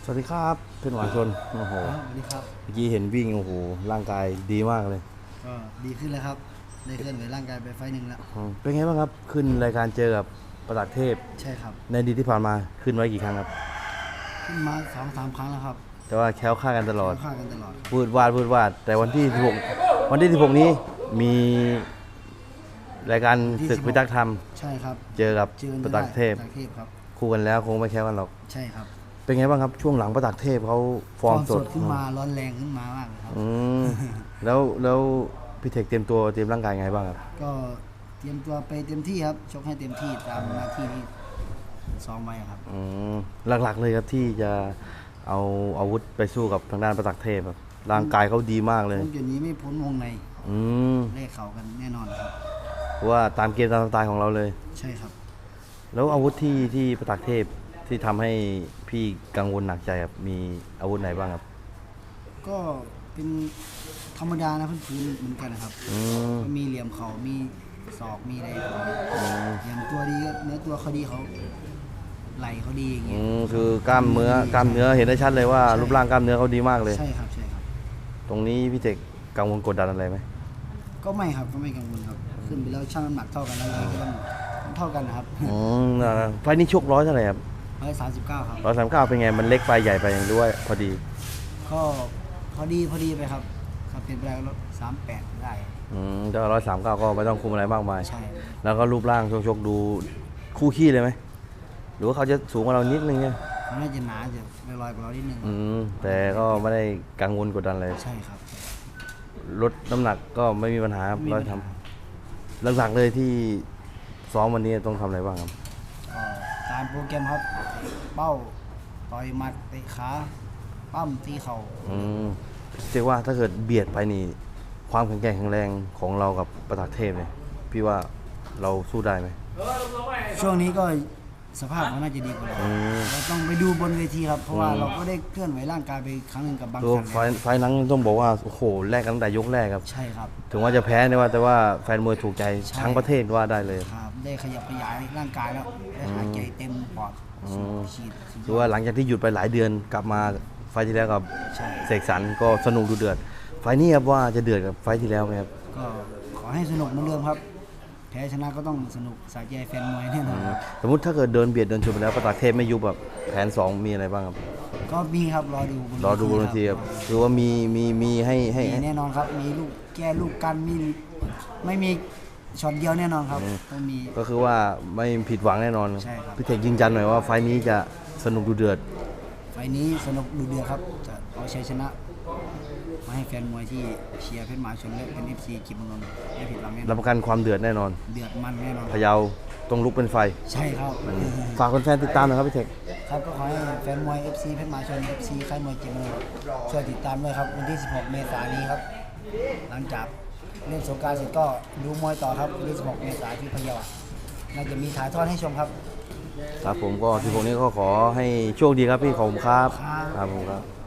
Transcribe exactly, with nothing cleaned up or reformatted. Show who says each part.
Speaker 1: วัสดีครับเพื่อนหวานชนโอ้โห
Speaker 2: ครับสวัสดีครับ
Speaker 1: เมื่อกี้เห็นวิ่งโอ้โหร่างกายดีมากเลย
Speaker 2: ก็ดีขึ้นแล้วครับได้เคลื่อนไหวร่างกายไปไฟล์หนึ่งแล้ว
Speaker 1: อืมเป็นไงบ้างครับขึ้นรายการเจอกับประตักเทพ
Speaker 2: ใช่ครับ
Speaker 1: ในอดีตที่ผ่านมาขึ้นไว้กี่ครั้งครับ
Speaker 2: ขึ้นมาสองสามครั้งแล้วครับ
Speaker 1: แต่ว่าแคล้วคลาดกันตลอด
Speaker 2: ค่ากันตลอด
Speaker 1: พูดวาดพูดวาดแต่วันที่สิบหกวันที่สิบหกนี้มีรายการศึกพิทักษ์ธรรม
Speaker 2: ใช่ครับ
Speaker 1: เจอกับ
Speaker 2: เจอกัน
Speaker 1: ประตักเทพ
Speaker 2: ประตักเทพครับ
Speaker 1: คู่กันแล้วคงไม่แคล้วกันหรอก
Speaker 2: ใช่ครับ
Speaker 1: เป็นไงบ้างครับช่วงหลังประตักเทพเขาฟอร์มสด
Speaker 2: ขึ้นมาร้อนแรงขึ้นมามากเลยครับ
Speaker 1: อืมแล้วแล้วพี่เทคเตรียมตัวเตรียมร่างกายไงบ้างครับ
Speaker 2: ก็เตรียมตัวไปเต็มที่ครับชกให้เต็มที่ตามหน้าที่ที่ซ้อมไว้ครับ
Speaker 1: อืมหลักๆเลยครับที่จะเอาอาวุธไปสู้กับทางด้านประตักเทพครับร่างกายเขาดีมากเลย
Speaker 2: ผมจุดนี้ไม่พ้นวงใน
Speaker 1: อืม
Speaker 2: เล่เข่ากันแน่นอนครับ
Speaker 1: เพราะว่าตามเกมตามสไตล์ของเราเลย
Speaker 2: ใช่ครับ
Speaker 1: แล้วอาวุธที่ที่ประตักเทพที่ทำให้พี่กังวลหนักใจครับมีอาวุธไหนบ้างครับ
Speaker 2: ก็เป็นธรรมดานะพื้นๆเหมือนกันนะครับ
Speaker 1: อืม
Speaker 2: ก็มีเหลี่ยมเขามีศอกมีอะไรอย่างตัวดีก็เนื้อตัวเขาดีเขาไหลเขาดีอย่างเงี้
Speaker 1: อื
Speaker 2: ย
Speaker 1: มคือกล้ามเนื้อกล้ามเนื้อเห็นได้ชัดเลยว่ารูปร่างกล้ามเนื้อเขาดีมากเลย
Speaker 2: ใช่ครับใช่ครับ
Speaker 1: ตรงนี้พี่เทคกังวลกดดันอะไรไหม
Speaker 2: ก็ไม่ครับก็ไม่กังวลครับขึ้นไปแล้วช่างน้ำหนักเท่ากันแล้วยังไงก็ต้องต้องเท่ากันนะครับ
Speaker 1: อืมอ่าไฟล์นี้ชกร้อยเท่าไหร่ครับ
Speaker 2: ร้อยสามสิบเก้าครับ
Speaker 1: ร้อยสามสิบเก้าเป็นไงมันเล็กไปใหญ่ไปด้วยพอดี
Speaker 2: ก็พอดีพอดีไปครับครับเป็นไปได้ก็สามแปดได้
Speaker 1: อืมแต่ร้อยสามเก้าก็ไม่ต้องคุมอะไรมากมาย
Speaker 2: ใช่
Speaker 1: แล้วก็รูปร่างชกๆดูคู่ขี้เลยไหมหรือว่าเขาจะสูงกว่าเรานิดนึงเนี่ย
Speaker 2: เขาน่าจะหนาจะไม่ลอยกว่าเรานิดนึง
Speaker 1: อืมแต่ก็ไม่ได้กังวลกดดันเลย
Speaker 2: ใช่ครับ
Speaker 1: ลดน้ำหนักก็ไม่มีปัญหาครับเราทำหลักๆเลยที่ซ้อมวันนี้ต้องทำอะไรบ้างครับ
Speaker 2: ก็ตามโปรแกรมครับเป้าต่อยหมัดเตะขาปั้มตีเข่า
Speaker 1: อืมเรียกว่าถ้าเกิดเบียดไปนี่ความแข็งแกร่งแข็งแรงของเรากับประตักเทพเนี่ยพี่ว่าเราสู้ได้ไหม
Speaker 2: ช่วงนี้ก็สภาพเขาน่าจะดีกว่าเราเราต้องไปดูบนเวทีครับเพราะว่าเราก็ได้เคลื่อนไหวร่างกายไปครั้งหนึ่งกับบาง
Speaker 1: ตัว
Speaker 2: ครั้ง
Speaker 1: ไฟไฟนั้นต้องบอกว่าโอ้โหแรกกันตั้งแต่ยกแรกครับ
Speaker 2: ใช่ครับ
Speaker 1: ถึงว่าจะแพ้เนี่ยว่าแต่ว่าแฟนมวยถูกใจทั้งประเทศว่าได้เลย
Speaker 2: ครับได้ขยับขยายร่างกายแล้วได้หายใจเต็มปอดฉีด
Speaker 1: คือว่าหลังจากที่หยุดไปหลายเดือนกลับมาไฟที่แล้วกับเสกสรรก็สนุกดูเดือดไฟนี้ครับว่าจะเดือดกับไฟที่แล้วไหมครับ
Speaker 2: ก็ขอให้สนุกเหมือนเดิมครับแพ้ชนะก็ต้องสนุกสะใจแฟนมวยแน่นอน
Speaker 1: สมมติถ้าเกิดเดินเบียดเดินชนไปแล้วประตักเทพไม่ยุบแบบแผนสองมีอะไรบ้างครับ
Speaker 2: ก็มีครับรอดู
Speaker 1: รอดูบนทีครับคือว่ามีมีมีให้ให้
Speaker 2: แน่นอนครับมีลูกแก้ลูกกันมีไม่มีช็อตเดียวแน่นอนครับต้องมี
Speaker 1: ก็คือว่าไม่ผิดหวังแน่นอน
Speaker 2: ใช่ครับ
Speaker 1: พี่เทคยืนยันหน่อยว่าไฟนี้จะสนุกดูเดือด
Speaker 2: ไฟนี้สนุกดูเดือดครับจะเอาชัยชนะมาให้แฟนมวยที่เชียร์เพชรหมาชนและเป็น เอฟ ซี กิมเมืองนนท์ไม่ผิดหวังแน่นอน
Speaker 1: รับประกันความเดือดแน่นอน
Speaker 2: เดือดมันแน่นอน
Speaker 1: พะเยาต้องลุกเป็นไฟ
Speaker 2: ใช่ครับ
Speaker 1: ฝากคนแฟนติดตามหน่อยครับพี่เทค
Speaker 2: ครับก็ขอให้แฟนมวย เอฟ ซี เพชรหมาชน เอฟ ซี ค่ายมวยกิมเมืองนนท์ช่วยติดตามด้วยครับวันที่สิบหกเมษายนนี้ครับหลังจากเล่นสงกรานต์เสร็จก็ดูมวยต่อครับวันที่สิบหกเมษายนที่พะเยาน่าจะมีถ่ายทอดให้ชมครับ
Speaker 1: ครับผมก็ที่พวกนี้ก็ขอให้โชคดีครับพี่ขอบคุณครับครับผมครับ